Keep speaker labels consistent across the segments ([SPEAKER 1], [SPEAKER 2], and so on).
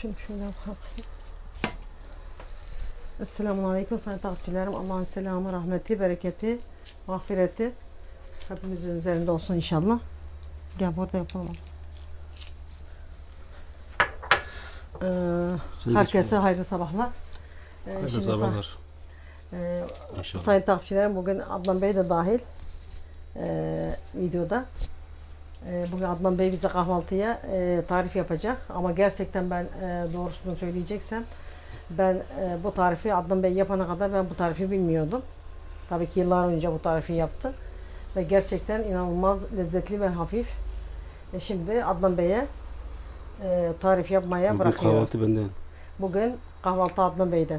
[SPEAKER 1] Şunu şöyle yapalım. Esselamun Aleyküm sayın takipçilerim. Allah'ın selamı, rahmeti, bereketi, mağfireti hepimizin üzerinde olsun inşallah. Gel burada yapalım. Herkese hayırlı sabahlar.
[SPEAKER 2] Hayırlı sabahlar.
[SPEAKER 1] Sayın takipçilerim, bugün Adnan Bey de dahil videoda. Bugün Adnan Bey bize kahvaltıya tarif yapacak. Ama gerçekten ben doğrusunu söyleyeceksem ben bu tarifi Adnan Bey yapana kadar ben bu tarifi bilmiyordum. Tabii ki yıllar önce bu tarifi yaptı. Ve gerçekten inanılmaz lezzetli ve hafif. Şimdi Adnan Bey'e tarif yapmaya
[SPEAKER 2] Bugün
[SPEAKER 1] bırakıyorum.
[SPEAKER 2] kahvaltı benden.
[SPEAKER 1] Bugün kahvaltı Adnan Bey'den.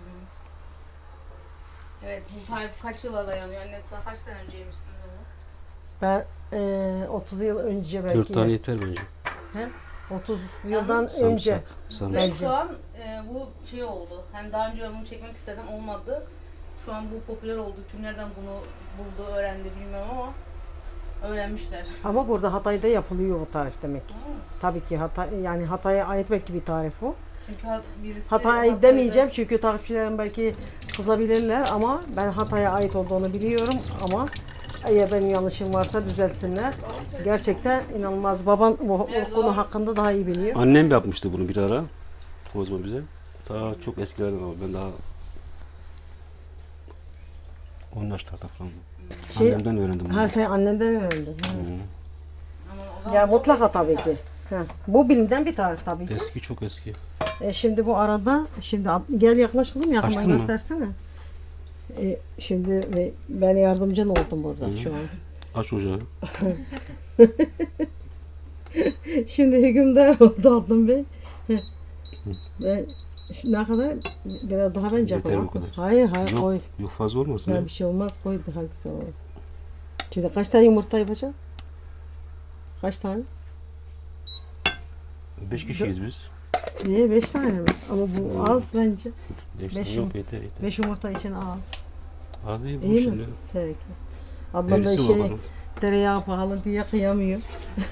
[SPEAKER 3] Evet, bu tarif kaç yıla dayanıyor? Anne sen kaç sene önce yemiştin bunu?
[SPEAKER 1] Ben 30 yıl önce belki.
[SPEAKER 2] 4 tane yeter bence.
[SPEAKER 1] He? 30 yıldan
[SPEAKER 3] Yalnız-
[SPEAKER 1] önce.
[SPEAKER 2] Sarımsak.
[SPEAKER 3] Ve
[SPEAKER 1] Bence.
[SPEAKER 3] şu an bu şey oldu. Hani daha önce ben bunu çekmek istedim, olmadı. Şu an bu popüler oldu. Kim nereden bunu buldu, öğrendi bilmiyorum ama öğrenmişler.
[SPEAKER 1] Ama burada Hatay'da yapılıyor o tarif demek ki. Tabii ki yani Hatay'a ait belki bir tarif bu.
[SPEAKER 3] Çünkü birisi
[SPEAKER 1] Hatay'a
[SPEAKER 3] Hatay'da-
[SPEAKER 1] demeyeceğim çünkü takipçilerim belki kızabilirler ama ben Hatay'a ait olduğunu biliyorum ama eğer benim yanlışım varsa düzelsinler. Gerçekten inanılmaz. Babam o konu hakkında daha iyi biliyor.
[SPEAKER 2] Annem yapmıştı bunu bir ara. Kozma bize. Daha çok eskilerden ama ben daha 10 yaşlarda falan.
[SPEAKER 1] Şey-
[SPEAKER 2] Annemden öğrendim bunu.
[SPEAKER 1] Ha sen annenden öğrendin. Ha.
[SPEAKER 2] Hı.
[SPEAKER 3] Ama o zaman
[SPEAKER 1] Ya
[SPEAKER 3] çok
[SPEAKER 1] mutlaka
[SPEAKER 3] eski
[SPEAKER 1] tabii
[SPEAKER 3] zaten.
[SPEAKER 1] ki. Ha. Bu bilimden bir tarif tabii ki.
[SPEAKER 2] Eski, çok eski.
[SPEAKER 1] Şimdi bu arada gel yaklaş kızım yakından
[SPEAKER 2] Açtın mı?
[SPEAKER 1] göstersene. Şimdi ben yardımcın oldum burada
[SPEAKER 2] Hı.
[SPEAKER 1] şu an.
[SPEAKER 2] Aç ocağı.
[SPEAKER 1] Şimdi hükümdar oldu Adnan Bey. Ben şimdi ne kadar biraz daha bence
[SPEAKER 2] Yeter
[SPEAKER 1] yapalım.
[SPEAKER 2] bu kadar.
[SPEAKER 1] Hayır
[SPEAKER 2] Yok,
[SPEAKER 1] koy.
[SPEAKER 2] yok fazla olmasın
[SPEAKER 1] Ya
[SPEAKER 2] ya.
[SPEAKER 1] bir şey olmaz koy daha güzel olur. Şimdi kaç tane yumurta yapacağım? Kaç tane?
[SPEAKER 2] 5 kişiyiz biz.
[SPEAKER 1] Niye 5 tane mi? Ama bu az bence.
[SPEAKER 2] 5
[SPEAKER 1] Beş
[SPEAKER 2] tane yok, yeter yeter.
[SPEAKER 1] 5 yumurta için az.
[SPEAKER 2] Az değil bu
[SPEAKER 1] İyi mi?
[SPEAKER 2] şimdi.
[SPEAKER 1] Peki. Adnan Bey
[SPEAKER 2] Derisi var bunun.
[SPEAKER 1] tereyağı pahalı diye kıyamıyor.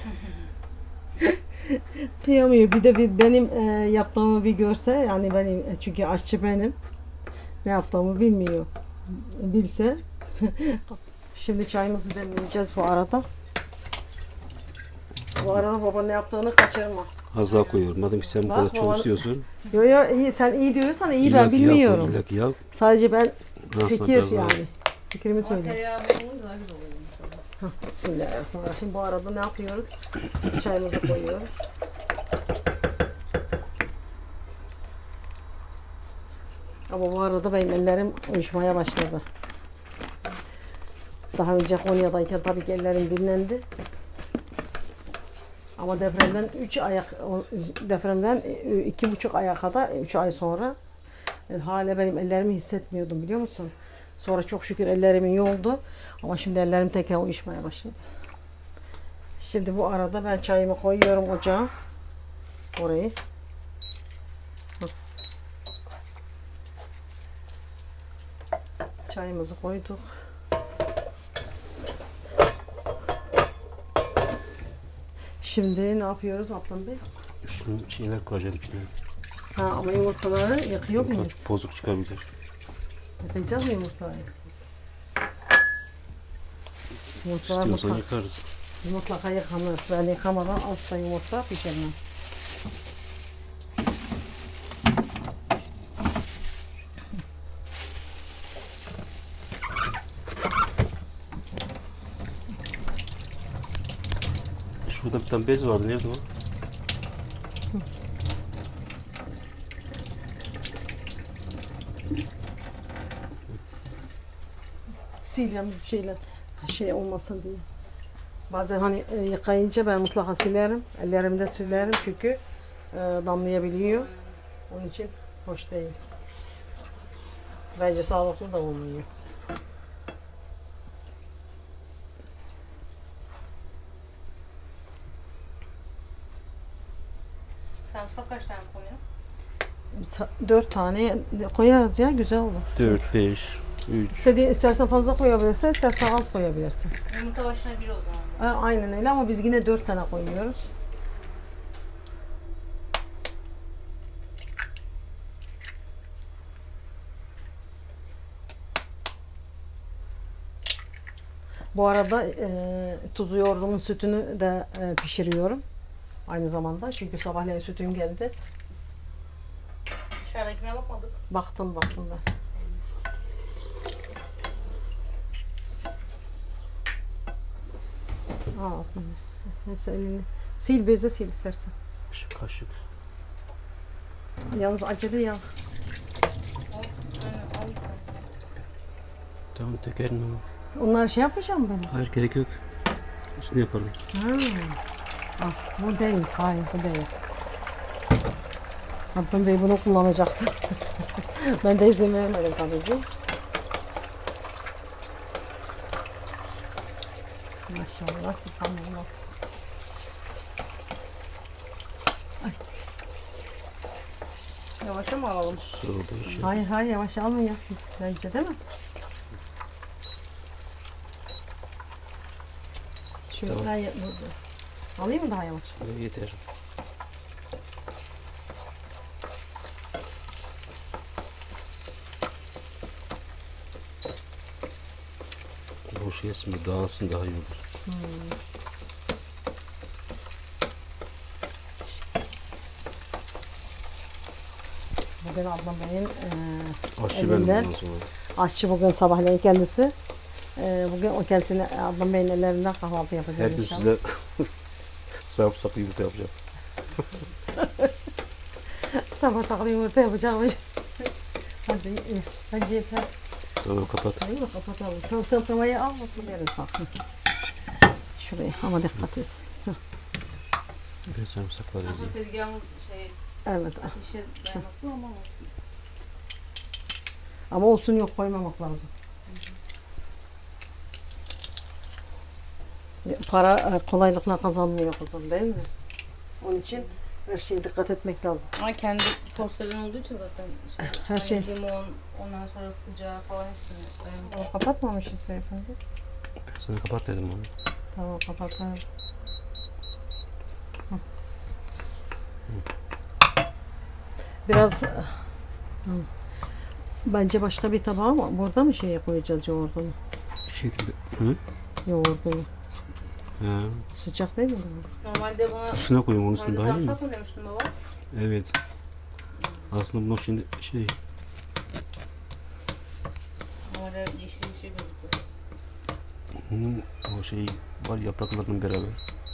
[SPEAKER 1] Kıyamıyor. Bir de benim yaptığımı bir görse yani benim çünkü aşçı benim. Ne yaptığımı bilmiyor. Bilse. Şimdi çayımızı demleyeceğiz bu arada. Bu arada baba ne yaptığını kaçırma.
[SPEAKER 2] Az daha koyuyorum. Madem ki sen bu
[SPEAKER 1] Bak,
[SPEAKER 2] kadar çok
[SPEAKER 1] babanın-
[SPEAKER 2] istiyorsun.
[SPEAKER 1] Yo yo iyi sen iyi diyorsan iyi ben
[SPEAKER 2] İlla ki yağ koy,
[SPEAKER 1] bilmiyorum.
[SPEAKER 2] illa ki yağ.
[SPEAKER 1] Sadece ben
[SPEAKER 2] Aslında
[SPEAKER 1] fikir
[SPEAKER 2] biraz daha-
[SPEAKER 1] yani. Fikrimi
[SPEAKER 3] Ama
[SPEAKER 1] söyleyeyim.
[SPEAKER 3] tereyağı olunca daha güzel oluyor.
[SPEAKER 1] Bismillahirrahmanirrahim. Bu arada ne yapıyoruz? Çayımızı koyuyoruz. Ama bu arada benim ellerim uyuşmaya başladı. Daha önce Konya'dayken tabii ki ellerim dinlendi. Ama depremden 2,5 aya kadar 3 ay sonra hala benim ellerimi hissetmiyordum biliyor musun? Sonra çok şükür ellerimin iyi oldu. Ama şimdi ellerim tekrar uyuşmaya başladı. Şimdi bu arada ben çayımı koyuyorum ocağa. Orayı. Çayımızı koyduk. Şimdi ne yapıyoruz Adnan Bey?
[SPEAKER 2] Şunu şeyler koyacağım içine.
[SPEAKER 1] Ha ama yumurtaları yakıyor muyuz?
[SPEAKER 2] Bozuk çıkabilir.
[SPEAKER 1] Yakacağız mı yumurtayı? Yumurtalar
[SPEAKER 2] İstiyorsan
[SPEAKER 1] mutlaka,
[SPEAKER 2] yıkarız.
[SPEAKER 1] mutlaka yıkanır. Ben yıkamadan asla yumurta pişirmem.
[SPEAKER 2] Şurada bir tane bez vardı. Nerede o?
[SPEAKER 1] Sil yalnız bir şeyle şey olmasın diye. Bazen hani yıkayınca ben mutlaka silerim. Ellerimi de silerim çünkü damlayabiliyor. Onun için hoş değil. Bence sağlıklı da olmuyor.
[SPEAKER 3] Sarımsak kaç tane konuyor?
[SPEAKER 1] 4 tane koyarız ya güzel olur.
[SPEAKER 2] 4, 5, 3.
[SPEAKER 1] İstersen fazla koyabilirsin, istersen az koyabilirsin.
[SPEAKER 3] Yumurta başına bir o zaman.
[SPEAKER 1] Aynen öyle ama biz yine 4 tane koyuyoruz. Bu arada tuzu yoğurdumun sütünü de pişiriyorum. Aynı zamanda. Çünkü sabahleyin sütüm geldi.
[SPEAKER 3] Dışarıdakine bakmadık.
[SPEAKER 1] Baktım ben. Al. Neyse elini. Sil beze sil istersen.
[SPEAKER 2] Şu kaşık.
[SPEAKER 1] Yalnız acele ya.
[SPEAKER 3] Al. Aynen al.
[SPEAKER 2] Tamam dökerim ama.
[SPEAKER 1] Onları şey yapmayacağım ben.
[SPEAKER 2] Hayır gerek yok. Üstüne yaparım.
[SPEAKER 1] Ha. Ah, bu değil. Hayır bu değil. Adnan Bey bunu kullanacaktı. Ben de izin vermedim tabii ki. Maşallah, subhanallah. Ay.
[SPEAKER 3] Yavaşça mı alalım?
[SPEAKER 2] Su olduğu için.
[SPEAKER 1] Hayır yavaş alma ya. Bence değil mi? Şöyle
[SPEAKER 2] Tamam.
[SPEAKER 1] alayım mı daha yavaş?
[SPEAKER 2] Yeter. Boş yesin bir dağılsın daha iyi olur.
[SPEAKER 1] Bugün Adnan Bey'in
[SPEAKER 2] Aşçı
[SPEAKER 1] elinden.
[SPEAKER 2] benim bundan sonra.
[SPEAKER 1] Aşçı bugün sabahleyin kendisi. Bugün o kendisine Adnan Bey'in ellerinden kahvaltı yapacak
[SPEAKER 2] Her gün
[SPEAKER 1] inşallah.
[SPEAKER 2] size sarımsak yumurta yapacağım.
[SPEAKER 1] Sabah saklı yumurta yapacakmış. Hadi iyi. Bence yeter.
[SPEAKER 2] Tamam kapat.
[SPEAKER 1] Değil mi? Kapatalım. Tamam sen tavayı al otururuz bak. Şuraya ama dikkat et.
[SPEAKER 2] Ben sarımsakları
[SPEAKER 3] Aslında
[SPEAKER 2] yazayım.
[SPEAKER 3] tezgahın
[SPEAKER 1] Evet.
[SPEAKER 3] ateşe dayanıklı ama
[SPEAKER 1] Ama olsun yok koymamak lazım. Para kolaylıkla kazanmıyor kızım değil mi? Onun için her şeye dikkat etmek lazım.
[SPEAKER 3] ama kendi tostların olduğu için zaten
[SPEAKER 1] Her şey.
[SPEAKER 3] limon, ondan sonra sıcağı falan hepsini dayanıklı.
[SPEAKER 1] Kapatmamışız beyefendi.
[SPEAKER 2] Ben sana kapat dedim onu.
[SPEAKER 1] Tamam kapatalım. Biraz bence başka bir tabağa mı? Burada mı şey koyacağız yoğurdunu?
[SPEAKER 2] Şey gibi. Hı?
[SPEAKER 1] Yoğurdunu.
[SPEAKER 2] Ha.
[SPEAKER 1] Sıcak değil mi?
[SPEAKER 3] Normalde buna
[SPEAKER 2] Üstüne koyayım onun üstüne
[SPEAKER 3] normalde
[SPEAKER 2] daha iyi mi?
[SPEAKER 3] sarımsak mı demiştin baba?
[SPEAKER 2] Evet. Aslında bunu şimdi şey
[SPEAKER 3] Normalde yeşil yeşil gözüküyor.
[SPEAKER 2] o şey var yapraklarının beraber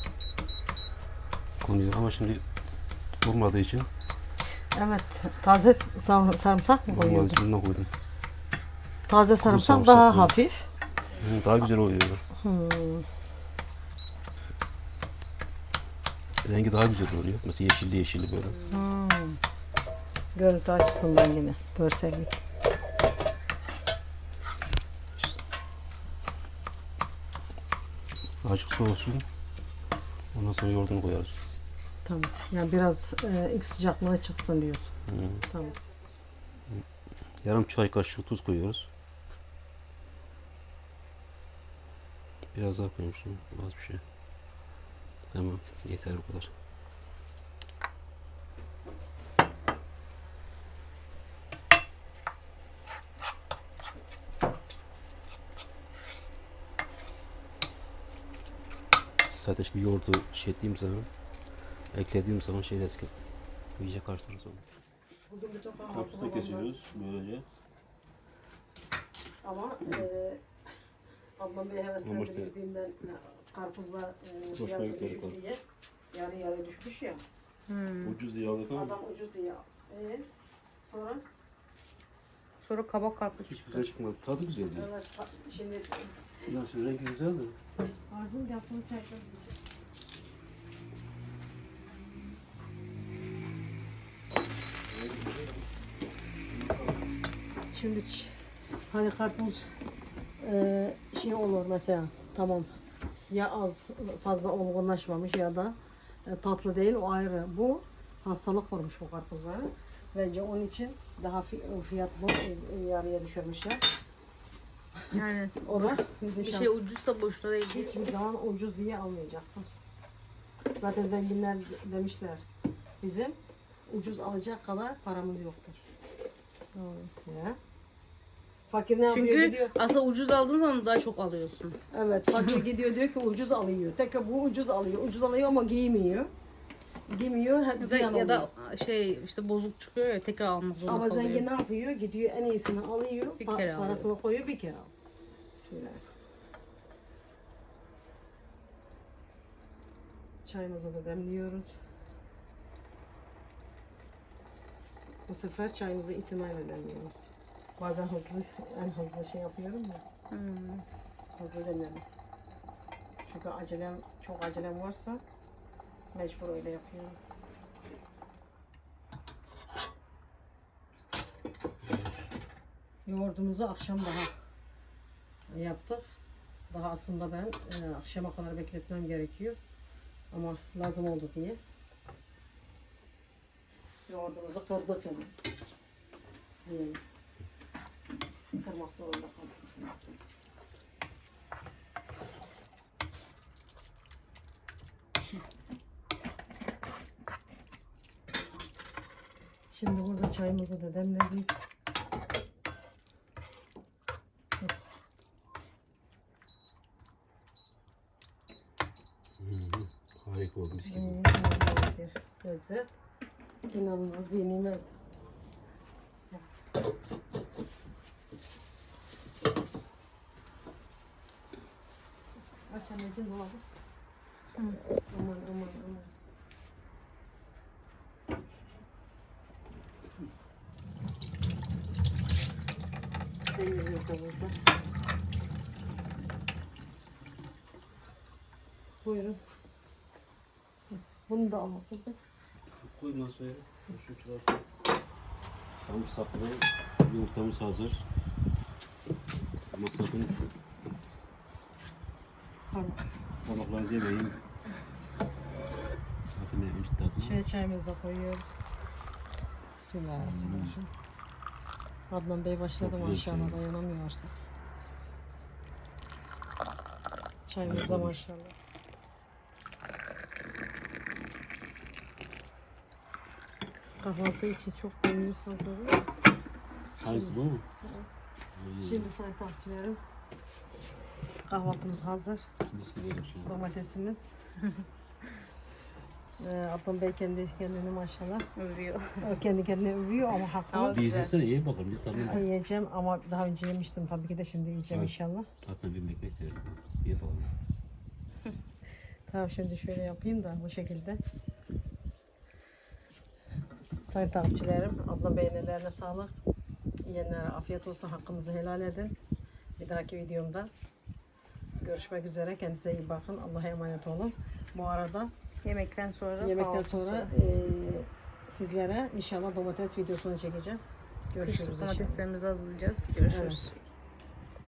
[SPEAKER 2] konuyor ama şimdi olmadığı için
[SPEAKER 1] Evet. Taze sarımsak mı
[SPEAKER 2] olmadığı
[SPEAKER 1] koyuyordun?
[SPEAKER 2] için bunu koydum.
[SPEAKER 1] Taze sarımsak
[SPEAKER 2] sarımsak
[SPEAKER 1] daha
[SPEAKER 2] koydum.
[SPEAKER 1] hafif.
[SPEAKER 2] Daha güzel oluyor.
[SPEAKER 1] Hmm.
[SPEAKER 2] Rengi daha güzel oluyor. Mesela yeşilli yeşilli böyle.
[SPEAKER 1] Görüntü açısından yine görsellik.
[SPEAKER 2] Azıcık soğusun. Ondan sonra yoğurdunu koyarız.
[SPEAKER 1] Tamam. Yani biraz ilk sıcaklığı çıksın diyor.
[SPEAKER 2] Hı.
[SPEAKER 1] Tamam.
[SPEAKER 2] Yarım çay kaşığı tuz koyuyoruz. Biraz daha koymuştum. Az bir şey. Tamam. Yeter bu kadar. Zaten şimdi yoğurdu şey ettiğim zaman, eklediğim zaman şey de iyice karıştırırız onu. Kapısını kesiyoruz böylece.
[SPEAKER 1] Ama Adnan Bey heveslendi
[SPEAKER 2] Yumurta.
[SPEAKER 1] biz BİM'den karpuzla
[SPEAKER 2] Hoşuna
[SPEAKER 1] fiyatı
[SPEAKER 2] gitti
[SPEAKER 1] düşük
[SPEAKER 2] bakalım.
[SPEAKER 1] diye. Yarı yarı düşmüş ya.
[SPEAKER 2] Ucuz diye aldık ama
[SPEAKER 1] Adam ucuz diye. Sonra
[SPEAKER 3] Sonra kabak karpuz
[SPEAKER 2] hiç
[SPEAKER 3] çıktı.
[SPEAKER 2] güzel çıkmadı. Tadı güzel değil.
[SPEAKER 1] evet, şimdi
[SPEAKER 2] Nasıl rengi güzel de.
[SPEAKER 1] Arzum yaptığım çaydan Şimdi hani karpuz şey olur mesela tamam ya az fazla olgunlaşmamış ya da tatlı değil o ayrı. Bu hastalık olmuş bu karpuzları. Bence onun için daha fiyatlı yarıya düşürmüşler.
[SPEAKER 3] Yani
[SPEAKER 1] O da bizim
[SPEAKER 3] bir
[SPEAKER 1] şans.
[SPEAKER 3] şey ucuzsa boşuna değil.
[SPEAKER 1] Hiçbir zaman ucuz diye almayacaksın. Zaten zenginler demişler. Bizim ucuz alacak kadar paramız yoktur. Ya. Fakir ne yapıyor?
[SPEAKER 3] Çünkü
[SPEAKER 1] Gidiyor.
[SPEAKER 3] aslında ucuz aldığın zaman daha çok alıyorsun.
[SPEAKER 1] Evet, fakir gidiyor diyor ki ucuz alıyor. Tek bu ucuz alıyor. Ucuz alıyor ama giymiyor. Giymiyor, hep ziyan
[SPEAKER 3] Ya
[SPEAKER 1] oluyor.
[SPEAKER 3] da işte bozuk çıkıyor ya tekrar almak zorunda
[SPEAKER 1] Ama
[SPEAKER 3] kalıyor.
[SPEAKER 1] zengin ne yapıyor? Gidiyor en iyisini alıyor.
[SPEAKER 3] Bir kere alıyor.
[SPEAKER 1] Parasını koyuyor bir kere alıyor. Bismillah. Çayımızı da demliyoruz. Bu sefer çayımızı itinayla demliyoruz. Bazen en hızlı şey yapıyorum ya. Hızlı demlerim. Çünkü çok acelem varsa mecbur öyle yapıyorum. Yoğurdumuzu akşam daha yaptık. Daha aslında ben akşama kadar bekletmem gerekiyor. Ama lazım oldu diye. Yoğurdumuzu kırdık hemen. Diyelim. Kırmak zorunda kaldık. Şimdi burada çayımızı da demledik.
[SPEAKER 2] Harika oldu mis gibi.
[SPEAKER 1] İnanılmaz bir lezzet. İnanılmaz bir nimet. Aç anneciğim dolabı. Aman. Peynirimiz de burada. Buyurun. Bunu da alalım.
[SPEAKER 2] Koy masaya. Şu çıkartalım. Sarımsaklı yumurtamız hazır. Ama sakın
[SPEAKER 1] Tamam.
[SPEAKER 2] parmaklarınızı yemeyin. Bakın ne önce tadına.
[SPEAKER 1] Çayımızı da koyuyorum. Bismillahirrahmanirrahim. Adnan Bey başladı
[SPEAKER 2] Çok güzel
[SPEAKER 1] maşallah,
[SPEAKER 2] çay.
[SPEAKER 1] dayanamıyor artık. Çayımız da maşallah. Kahvaltı için çok beğenmiş hazırlıyor.
[SPEAKER 2] Hangisi bu mu?
[SPEAKER 1] Şimdi sayın takipçilerim, kahvaltımız hazır.
[SPEAKER 2] Mis gibi olmuş ya.
[SPEAKER 1] Domatesimiz. Adnan Bey kendi kendini maşallah.
[SPEAKER 3] Övüyor.
[SPEAKER 1] O kendi kendine övüyor ama haklı.
[SPEAKER 3] Ama
[SPEAKER 2] Bir izlesene ye bakalım bir tadına.
[SPEAKER 1] Yiyeceğim ama daha önce yemiştim tabii ki de şimdi yiyeceğim
[SPEAKER 2] Evet.
[SPEAKER 1] inşallah.
[SPEAKER 2] Aslında bir ekmek de ye bakalım.
[SPEAKER 1] Tamam şimdi şöyle yapayım da bu şekilde. Sayın takipçilerim, Adnan Bey'in ellerine sağlık. Yiyenlere afiyet olsun, hakkınızı helal edin. Bir dahaki videomda görüşmek üzere. Kendinize iyi bakın. Allah'a emanet olun. Bu arada
[SPEAKER 3] Yemekten sonra
[SPEAKER 1] yemekten sonra sizlere inşallah domates videosunu çekeceğim. Görüşürüz
[SPEAKER 3] kışlık
[SPEAKER 1] inşallah.
[SPEAKER 3] domateslerimizi hazırlayacağız. Görüşürüz.
[SPEAKER 1] Evet.